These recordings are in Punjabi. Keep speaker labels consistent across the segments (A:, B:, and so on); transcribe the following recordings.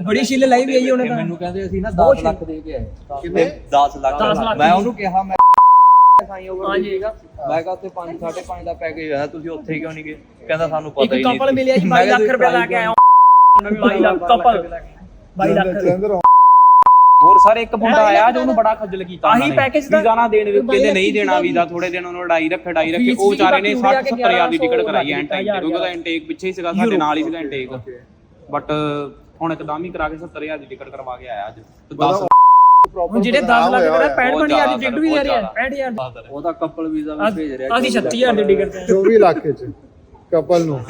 A: ਬੜੀ ਛਿੱਲ ਲਾਈ ਵੀ ਆਈ ਉਹਨੇ ਤਾਂ।
B: ਮੈਨੂੰ ਕਹਿੰਦੇ ਅਸੀਂ ਨਾ 10 ਲੱਖ ਦੇ ਕੇ ਆਏ। ਕਿੰਨੇ 10 ਲੱਖ। ਮੈਂ ਉਹਨੂੰ ਕਿਹਾ ਮੈਂ ਸਾਈ ਓਵਰ ਦੀਗਾ, ਮੈਂ ਕਿਹਾ ਉੱਥੇ 5 5.5 ਦਾ ਪੈਕੇਜ ਹੈ, ਤੁਸੀਂ ਉੱਥੇ ਕਿਉਂ ਨਹੀਂ ਗਏ? ਕਹਿੰਦਾ ਸਾਨੂੰ ਪਤਾ ਹੀ ਨਹੀਂ।
A: ਕਪਲ ਮਿਲਿਆ ਜੀ 22 ਲੱਖ ਰੁਪਏ ਲਾ ਕੇ ਆਇਆ। 22 ਲੱਖ ਕਪਲ 22 ਲੱਖ।
C: ਹੋਰ ਸਾਰੇ ਇੱਕ ਮੁੰਡਾ ਆਇਆ ਜੋ ਉਹਨੂੰ ਬੜਾ ਖੱਜਲ ਕੀਤਾ।
A: ਆਹੀ ਪੈਕੇਜ ਦਾ
C: ਵੀਜ਼ਾ ਨਾ ਦੇਣ, ਕਹਿੰਦੇ ਨਹੀਂ ਦੇਣਾ ਵੀਜ਼ਾ, ਥੋੜੇ ਦਿਨ ਉਹਨੂੰ ਲੜਾਈ ਰੱਖੇ। ਉਹ ਵਿਚਾਰੇ ਨੇ 60-70 ਦੀ ਟਿਕਟ ਕਰਾਈ ਐਂਡ ਟਾਈਮ ਤੇ, ਕਿਉਂਕਿ ਉਹਦਾ ਇਨਟੇਕ ਪਿੱਛੇ ਹੀ ਸੀਗਾ, ਸਾਡੇ ਨਾਲ ਹੀ ਸੀਗਾ ਇਨਟੇਕ। ਬਟ ਹੁਣ ਇੱਕਦਮ ਹੀ ਕਰਾ ਕੇ 70,000 ਦੀ ਟਿਕਟ ਕਰਵਾ ਕੇ ਆਇਆ ਅੱਜ। ਤੇ 10
A: ਹੁਣ ਜਿਹੜੇ 10 ਲੱਖ ਦਾ 65,000 ਦੀ ਟਿਕਟ ਵੀ ਲੈ ਰਿਹਾ 65,000
B: ਉਹਦਾ ਕਪਲ ਵੀਜ਼ਾ ਵੀ ਭੇਜ ਰਿਹਾ।
A: ਅਸੀਂ 36,000 ਦੀ ਟਿਕਟ ਤੇ
D: 24 ਲੱਖ ਚ ਕਪਲ ਨੂੰ।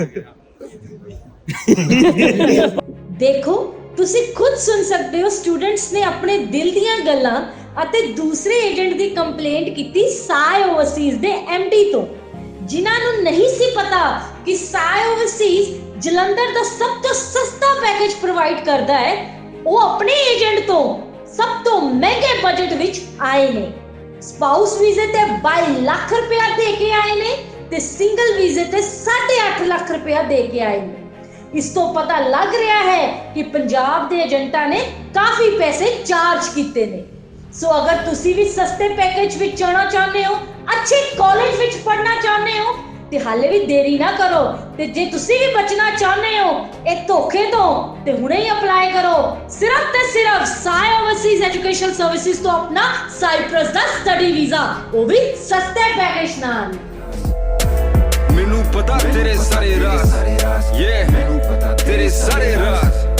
E: ਦੇਖੋ ਤੁਸੀਂ ਖੁਦ ਸੁਣ ਸਕਦੇ ਹੋ, ਸਟੂਡੈਂਟਸ ਨੇ ਆਪਣੇ ਦਿਲ ਦੀਆਂ ਗੱਲਾਂ ਅਤੇ ਦੂਸਰੇ ਏਜੰਟ ਦੀ ਕੰਪਲੇਂਟ ਕੀਤੀ ਸਾਈ ਓਵਰਸੀਜ਼ ਦੇ ਐਮਡੀ ਤੋਂ, ਜਿਨ੍ਹਾਂ ਨੂੰ ਨਹੀਂ ਸੀ ਪਤਾ ਕਿ ਸਾਈ ਓਵਰਸੀਜ਼ ਜਲੰਧਰ ਦਾ ਸਭ ਤੋਂ ਸਸਤਾ ਪੈਕੇਜ ਪ੍ਰੋਵਾਈਡ ਕਰਦਾ ਹੈ। ਉਹ ਆਪਣੇ ਏਜੰਟ ਤੋਂ ਸਭ ਤੋਂ ਮਹਿੰਗੇ ਬਜਟ ਵਿੱਚ ਆਏ ਨੇ। ਸਪਾਊਸ ਵੀਜ਼ੇ ਤੇ 22 ਲੱਖ ਰੁਪਇਆ ਦੇ ਕੇ ਆਏ ਨੇ ਤੇ ਸਿੰਗਲ ਵੀਜ਼ੇ ਤੇ 8.5 ਲੱਖ ਰੁਪਇਆ ਦੇ ਕੇ ਆਏ ਨੇ। ਇਸ ਤੋਂ ਪਤਾ ਲੱਗ ਰਿਹਾ ਹੈ ਕਿ ਪੰਜਾਬ ਦੇ ਏਜੰਟਾਂ ਨੇ ਕਾਫੀ ਪੈਸੇ ਚਾਰਜ ਕੀਤੇ ਨੇ। ਸੋ ਅਗਰ ਤੁਸੀਂ ਵੀ ਸਸਤੇ ਪੈਕੇਜ ਵਿੱਚ ਜਾਣਾ ਚਾਹੁੰਦੇ ਹੋ, ਅੱਛੇ ਕਾਲਜ ਵਿੱਚ ਪੜ੍ਹਨਾ ਚਾਹੁੰਦੇ ਹੋ, ਤੇ ਹਾਲੇ ਵੀ ਦੇਰੀ ਨਾ ਕਰੋ। ਤੇ ਜੇ ਤੁਸੀਂ ਵੀ ਬਚਣਾ ਚਾਹੁੰਦੇ ਹੋ ਇਹ ਧੋਖੇ ਤੋਂ, ਤੇ ਹੁਣੇ ਹੀ ਅਪਲਾਈ ਕਰੋ ਸਿਰਫ ਤੇ ਸਿਰਫ ਸਾਈ ਓਵਰਸੀਜ਼ ਐਜੂਕੇਸ਼ਨ ਸਰਵਿਸਿਜ਼ ਤੋਂ ਆਪਣਾ ਸਾਈਪ੍ਰਸ ਦਾ ਸਟੱਡੀ ਵੀਜ਼ਾ, ਉਹ ਵੀ ਸਸਤੇ ਪੈਕੇਜ ਨਾਲ।
F: ਮੈਨੂੰ ਪਤਾ ਤੇਰੇ ਸਾਰੇ ਰਾਜ਼, ਮੈਨੂੰ ਪਤਾ ਤੇਰੇ ਸਾਰੇ ਰਾਜ਼।